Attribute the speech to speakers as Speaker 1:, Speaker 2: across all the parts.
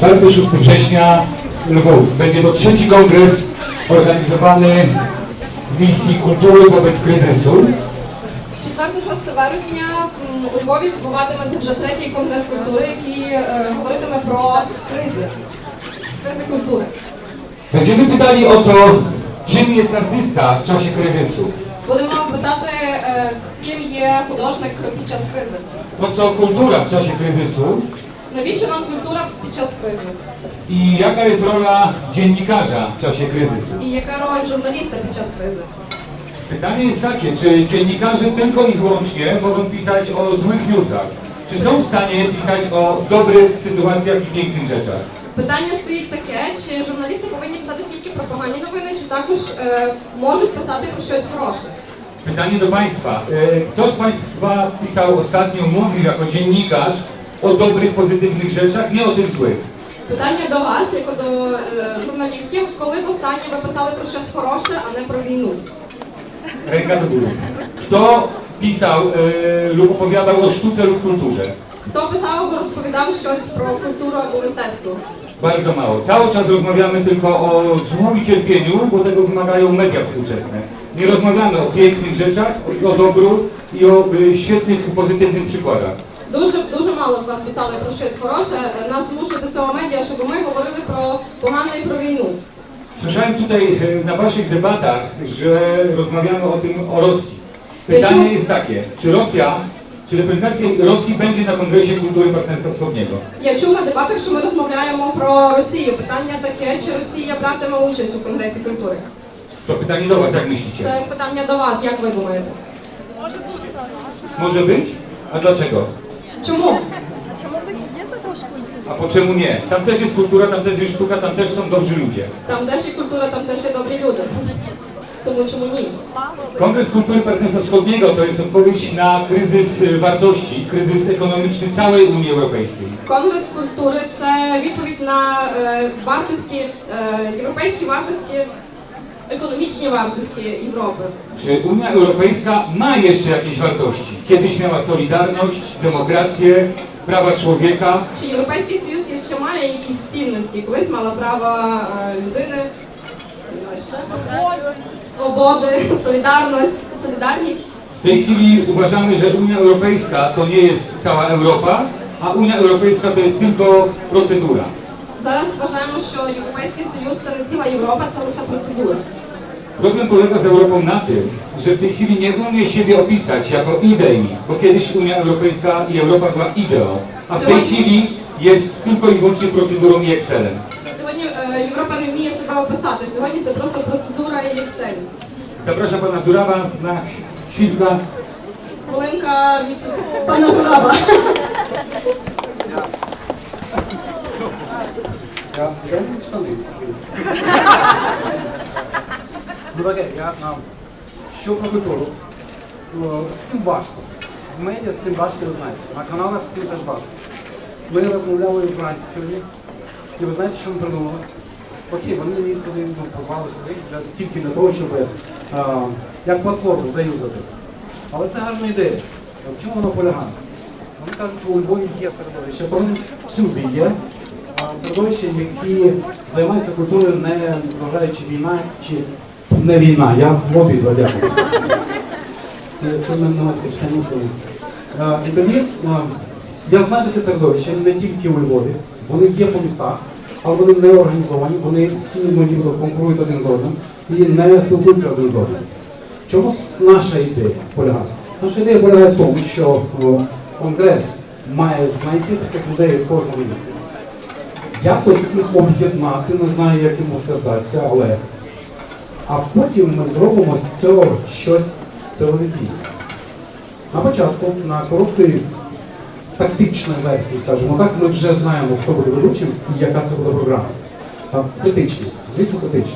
Speaker 1: 4-6 września Lwów. Będzie to trzeci kongres organizowany w misji kultury wobec kryzysu.
Speaker 2: 4-6 вересня у Львові відбуватиметься вже третій конгрес культури, який говоритиме про кризи культури.
Speaker 1: Będziemy pytali o to, czym jest artysta w czasie kryzysu.
Speaker 2: Будемо питати, ким є художник під час кризи.
Speaker 1: Po co kultura w czasie kryzysu
Speaker 2: Навіщо нам культура під час кризи?
Speaker 1: i jaka jest rola dziennikarza w czasie kryzysu.
Speaker 2: І яка роль журналіста під час кризи?
Speaker 1: Pytanie jest takie, czy dziennikarze tylko i wyłącznie mogą pisać o złych newsach? Czy są w stanie pisać o dobrych sytuacjach i pięknych rzeczach?
Speaker 2: Питання стоїть таке, чи журналісти повинні писати тільки про погані новини, чи також можуть писати про щось хороше?
Speaker 1: Pytanie do Państwa. Kto z Państwa pisał ostatnio, mówił jako dziennikarz o dobrych, pozytywnych rzeczach, nie o tych złych?
Speaker 2: Питання до вас, як до журналістів, коли востаннє ви писали про щось хороше, а не про війну?
Speaker 1: Ręka do góry. Kto pisał lub opowiadał o sztuce lub kulturze?
Speaker 2: Хто писав або розповідав щось про культуру або мистецтво?
Speaker 1: Bardzo mało. Cały czas rozmawiamy tylko o złu i cierpieniu, bo tego wymagają media współczesne. Nie rozmawiamy o pięknych rzeczach, o dobru i o świetnych, pozytywnych przykładach.
Speaker 2: Дуже мало з вас писали про щось хороше. Нас змушують до цього медіа, щоб ми говорили про погане і про війну.
Speaker 1: Słyszałem tutaj na Waszych debatach, że rozmawiamy o Rosji. Pytanie jest takie, czy reprezentacja Rosji będzie na Kongresie Kultury Partnerstwa Wschodniego?
Speaker 2: Я чув на дебатах, що ми розмовляємо про Росію. Питання таке, чи Росія братиме участь у Конгресі культури?
Speaker 1: To pytanie do Was, jak myślicie?
Speaker 2: Це питання до вас, як ви думаєте?
Speaker 1: Może być? A dlaczego?
Speaker 2: Чому?
Speaker 1: A po czemu nie? Tam też jest kultura, tam też jest sztuka, tam też są dobrzy ludzie.
Speaker 2: Там теж є культура, там теж є добрі люди. Тому чому ні?
Speaker 1: Kongres Kultury Partnerstwa Wschodniego to jest odpowiedź na kryzys wartości, kryzys ekonomiczny całej Unii Europejskiej.
Speaker 2: Конгрес культури – це відповідь на європейські вартості, економічні вартості Європи.
Speaker 1: Czy Unia Europejska ma jeszcze jakieś wartości? Kiedyś miała solidarność, demokrację, prawa człowieka.
Speaker 2: Чи Європейський Союз ще має якісь цінності? Колись мала права людини, свободи, солідарність.
Speaker 1: W tej chwili uważamy, że Unia Europejska to nie jest cała Europa, a Unia Europejska to jest tylko procedura.
Speaker 2: Зараз вважаємо, що Європейський Союз – це не ціла Європа, це лише процедура.
Speaker 1: Problem polega z Europą na tym, że w tej chwili nie umie siebie opisać jako idei, bo kiedyś Unia Europejska i Europa była ideą, a w tej chwili jest tylko i wyłącznie procedurą i Excelem.
Speaker 2: Сьогодні Європа не вміє себе описати. Сьогодні це просто процедура і Excel.
Speaker 1: Zapraszam pana Zurawa na chwilkę.
Speaker 2: Хвилинка від пана Зураба.
Speaker 3: Я не штани. Ну таке, що про культуру? З цим важко. В медіа з цим важко, ви знаєте. На каналах з цим теж важко. Ми розмовляли вранці сьогодні. І ви знаєте, що ми придумали? Окей, вони мені туди попали сюди, тільки для того, щоб як платформу заюзати. Але це гарна ідея. В чому вона полягає? Вони кажуть, що у Львові є середовище, вони всюди є. Середовище, які займаються культурою, не зважаючи війна чи не війна. Я в Львові дякую. Якщо немає штанів, то... І тоді, я знаю таке середовище, не тільки у Львові, вони є по містах, але вони не організовані, вони всі конкурують один з одним і не спілкуються один з одним. В чому наша ідея полягає? Наша ідея полягає в тому, що Конгрес має знайти таких людей в кожному місці. Якось їх об'єднати, не знаю, як йому це вдасться, але... А потім ми зробимо з цього щось телевізійне. На початку, на короткій тактичній версії, скажімо так, ми вже знаємо, хто буде ведучим і яка це буде програма. Критичні, звісно, критичні.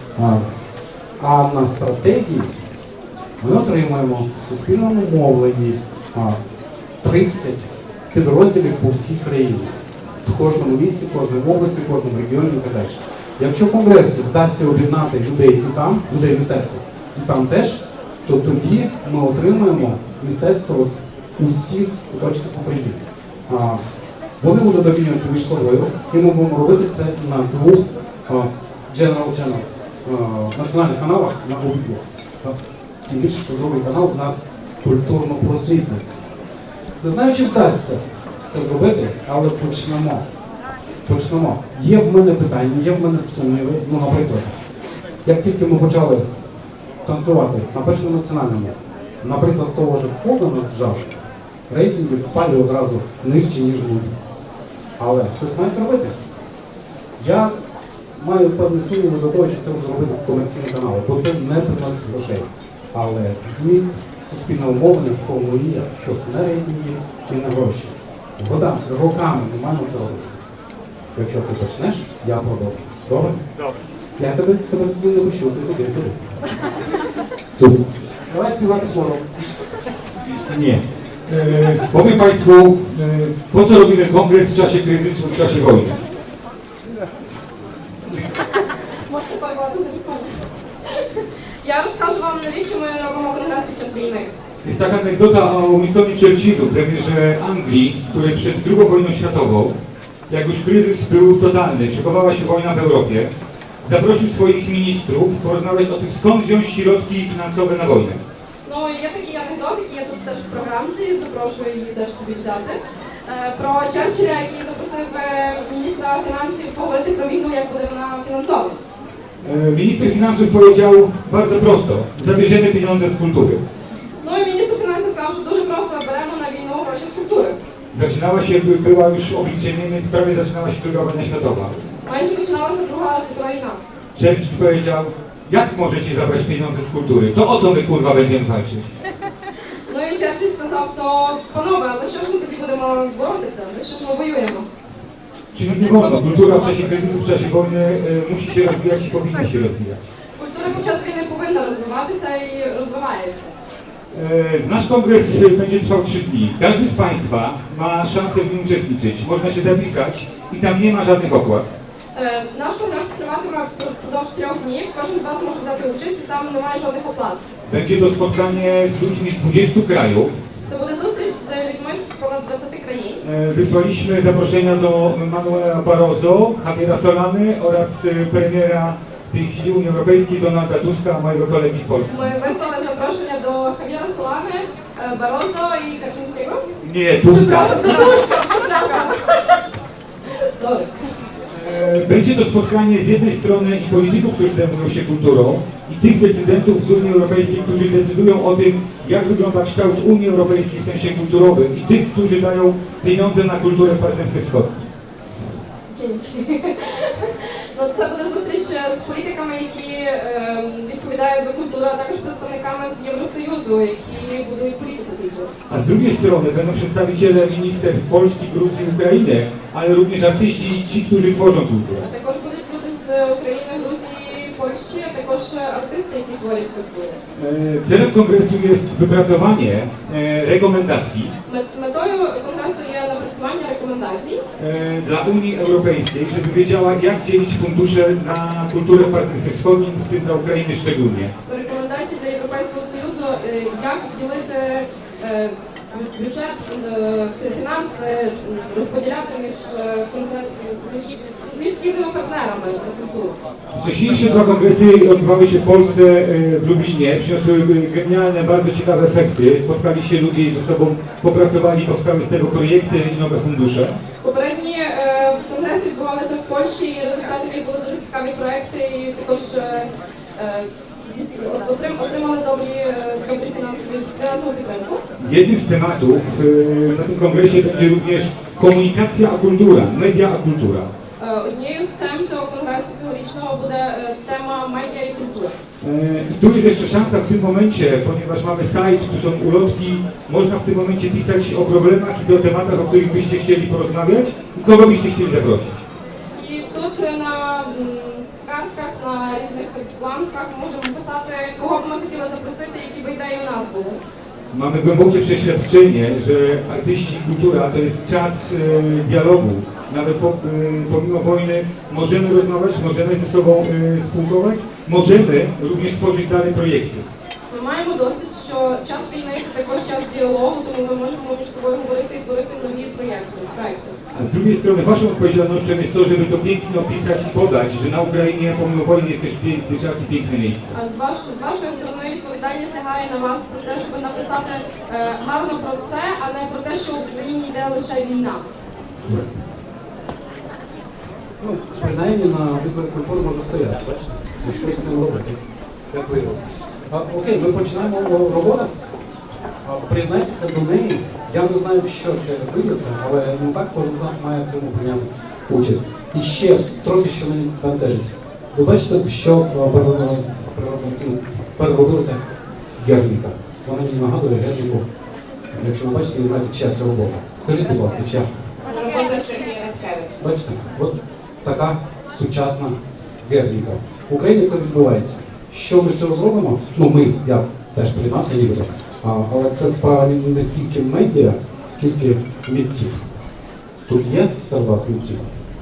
Speaker 3: А на стратегії ми отримаємо в суспільному мовленні 30 підрозділів по всій країні. В кожному місті, в кожній області, в кожному регіоні і так далі. Якщо Конгресу вдасться об'єднати людей і там, людей мистецтва, і там теж, то тоді ми отримаємо мистецтво з усіх куточків України. Вони будуть обмінюватися між собою, і ми будемо робити це на двох General Channels, національних каналах на обидвох. Тим більше, що другий канал у нас культурно-просвітницький. Не знаю, чи вдасться це зробити, але почнемо. Є в мене питання, є в мене сумніви. Ну, наприклад, як тільки ми почали транслювати на першому національному, наприклад, того ж Фогана джаз, рейтинги впали одразу нижче, ніж люди. Але хтось має зробити. Я маю певні сумніви до того, що це буде робити комерційні канали, бо це не приносить грошей. Але зміст суспільного мовлення в тому і є, що не рейтинги і не гроші. Вода, роками не маємо це робити. Якщо ти почнеш, я продовжу. Добре?
Speaker 1: Добре.
Speaker 3: Я тебе сюди не пущу, ти туди. Тут. Давай співати хором.
Speaker 1: Nie. Powiem Państwu, po co robimy kongres w czasie kryzysu, w czasie wojny.
Speaker 2: Можете перекладати замість мене. Я розкажу вам, навіщо ми робимо конгрес під час війни.
Speaker 1: Jest taka anegdota o Winstonie Churchillu, premierze Anglii, który przed II wojną światową, jak już kryzys był totalny, szykowała się wojna w Europie, zaprosił swoich ministrów porozmawiać o tym, skąd wziąć środki finansowe na wojnę.
Speaker 2: Ну, є такий анекдот, який я тут теж в програмці, запрошую її теж собі взяти. Про Черчилля, який запросив міністра фінансів поговорити про війну, як буде вона фінансована.
Speaker 1: Minister finansów powiedział bardzo prosto, zabierzemy pieniądze z kultury.
Speaker 2: Ну і міністр фінансів сказав, що дуже просто беремо на війну гроші з культури.
Speaker 1: Zaczynała się, była już oblicze Niemiec, prawie zaczynała się II wojna światowa.
Speaker 2: Майже починалася Друга світова війна.
Speaker 1: Churchill powiedział, jak możecie zabrać pieniądze z kultury? To o co my kurwa będziemy walczyć?
Speaker 2: Ну і Черчилль сказав, то панове, а за що ж ми тоді будемо боротися? За що ж ми воюємо?
Speaker 1: Czyli nie wolno. Kultura w czasie kryzysu, w czasie wojny musi się rozwijać i powinna się rozwijać.
Speaker 2: Культура під час війни повинна розвиватися і розвивається.
Speaker 1: Nasz kongres będzie trwał 3 dni. Każdy z Państwa ma szansę w nim uczestniczyć. Można się zapisać i tam nie ma żadnych opłat.
Speaker 2: Наш конгрес триватиме впродовж 3 днів. Кожен з вас може взяти участь і там немає жодних оплат.
Speaker 1: Będzie to spotkanie z ludźmi z 20 krajów.
Speaker 2: Це буде зустріч з людьми з понад 20 країн.
Speaker 1: Wysłaliśmy zaproszenia do Manuela Barroso, Javiera Solany oraz premiera w tej chwili Unii Europejskiej Donalda Tuska, mojego kolegi z Polski.
Speaker 2: Ми вислали запрошення до Хав'єра Солани, Барозо і Качинського.
Speaker 1: Nie, Tuska.
Speaker 2: Przepraszam. Sorry.
Speaker 1: Będzie to spotkanie z jednej strony i polityków, którzy zajmują się kulturą, i tych decydentów z Unii Europejskiej, którzy decydują o tym, jak wygląda kształt Unii Europejskiej w sensie kulturowym, i tych, którzy dają pieniądze na kulturę w Partnerstwie Wschodnim.
Speaker 2: Dzięki. Ну, це буде зустріч з політиками, які відповідають за культуру, а також представниками з Євросоюзу, які будують політику культури.
Speaker 1: A z drugiej strony będą przedstawiciele ministerstw Polski, Gruzji, Ukrainy, ale również artyści i ci, którzy tworzą kulturę.
Speaker 2: Також будуть люди з України, Грузії, Польщі, а також артисти, які творять культуру.
Speaker 1: Celem kongresu jest wypracowanie rekomendacji
Speaker 2: Метою конгресу є напрацювання рекомендацій
Speaker 1: dla Unii Europejskiej, żeby wiedziała, jak dzielić fundusze na kulturę w Partnerstwie Wschodnim, w tym dla Ukrainy szczególnie.
Speaker 2: рекомендацій для Європейського Союзу, як ділити бюджет, фінанси, розподіляти між східними партнерами на культуру.
Speaker 1: Wcześniejsze 2 kongresy odbywały się w Polsce, w Lublinie, przyniosły genialne, bardzo ciekawe efekty. Spotkali się ludzie i ze sobą popracowali, powstały z tego projekty i nowe fundusze.
Speaker 2: Попередні конгреси відбувалися в Польщі, і результатів їх були дуже цікаві проекти, і також отримали добрі фінансову підтримку.
Speaker 1: Jednym z tematów na tym kongresie będzie również komunikacja a kultura, media a kultura.
Speaker 2: Однією з тем цього конгресу цьогорічного буде тема медіа і культура.
Speaker 1: I tu jest jeszcze szansa w tym momencie, ponieważ mamy sajt, tu są ulotki, można w tym momencie pisać o problemach i o tematach, o których byście chcieli porozmawiać i kogo byście chcieli zaprosić.
Speaker 2: І тут на картках, на різних бланках можемо писати, кого б ми хотіли запросити, які би ідеї у нас були.
Speaker 1: Mamy głębokie przeświadczenie, że artyści i kultura to jest czas dialogu. Nawet pomimo wojny możemy rozmawiać, możemy ze sobą spółkować, możemy również tworzyć dalej projekty.
Speaker 2: Ми маємо досвід, що час війни – це також час діалогу, тому ми можемо між собою говорити і творити нові проєкти.
Speaker 1: A A z drugiej strony waszą odpowiedzialnością jest to, żeby to pięknie opisać i podać, że na Ukrainie pomimo wojny jest też piękny czas i piękne miejsce.
Speaker 2: А з вашої сторони відповідальність лягає на вас про те, щоб написати гарно про це, а не про те, що в Україні йде лише війна.
Speaker 3: Ну, принаймні на обидві культури може стояти, бачите? І щось з ним робити. Як ви робите? Окей, ми починаємо роботу. Приєднайтеся до неї. Я не знаю, що це вийдеться, але ну так кожен з нас має в цьому прийняти участь. І ще трохи, що мене бентежить. Ви бачите, що переробилася Герніка. Вона мені нагадує Герніку. Якщо ви бачите, ви знаєте, чия це робота. Скажіть, будь ласка, чия?
Speaker 4: Робота Сергія Радкевича.
Speaker 3: Бачите, от така сучасна Герніка. В Україні це відбувається. Що ми з цього зробимо? Ну, я теж приєднався нібито. Але це справа не стільки медіа, скільки митців. Тут є серед вас митців?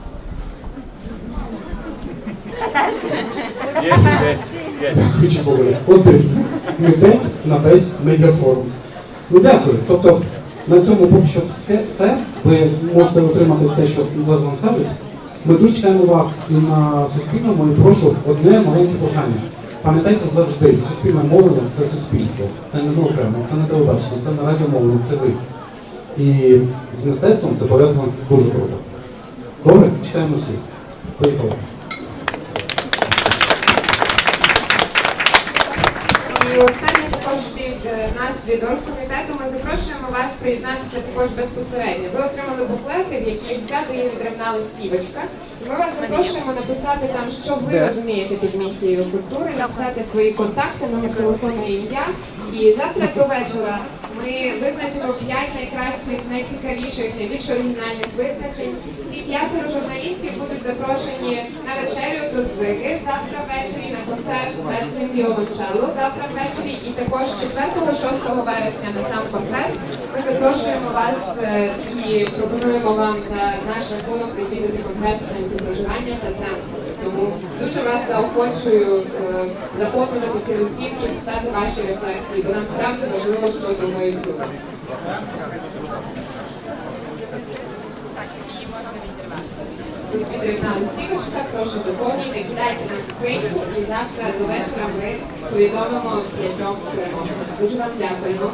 Speaker 3: Дякую, Чебове. Один митець на весь медіафорум. Ну дякую. Тобто на цьому поки що все. Ви можете отримати те, що зараз вам скажуть. Ми дуже чекаємо вас і на Суспільному, і прошу одне маленьке прохання. Пам'ятайте завжди, суспільне мовлення – це суспільство. Це не окремо, це не телебачення, це не радіомовлення, це ви. І з мистецтвом це пов'язано дуже круто. Добре? Чекаємо всіх. Поїхали.
Speaker 4: І останнє також від нас, від оргкомітету, ми запрошуємо вас приєднатися також безпосередньо. Ви отримали буклети, в яких згадує відривна листівочка. І ми вас запрошуємо написати там, що ви розумієте під місією культури, написати свої контакти, номер телефону і ім'я. І завтра до вечора ми визначимо 5 найкращих, найцікавіших, найбільш оригінальних визначень. Ці 5 журналістів будуть запрошені на вечерю до Дзиги, завтра ввечері на концерт «Верцем Віолончелло», завтра ввечері і також 4-6 вересня на сам конгрес. Ми запрошуємо вас і пропонуємо вам за наш рахунок відвідати конгрес в сенсі проживання та транспорту. Тому дуже вас заохочую заповнювати ці листівки, писати ваші рефлексії, бо нам справді важливо, що думають люди. Тут відривна листівочка, прошу заповнюйте, кидайте нам в скриньку і завтра до вечора ми повідомимо 5 переможцям. Дуже вам дякуємо.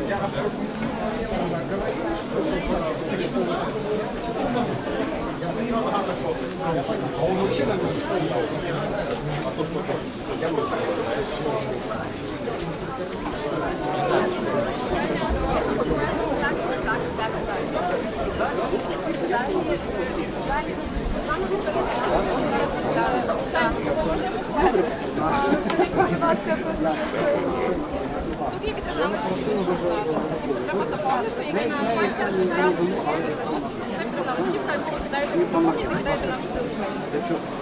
Speaker 2: Тут є відривна листівочка ззаду. Треба заповнити, який називається «Свят». Ось тут. Це відривна листівка, яку ви кидаєте, заповнюєте, кидаєте нам сюди в скриньку.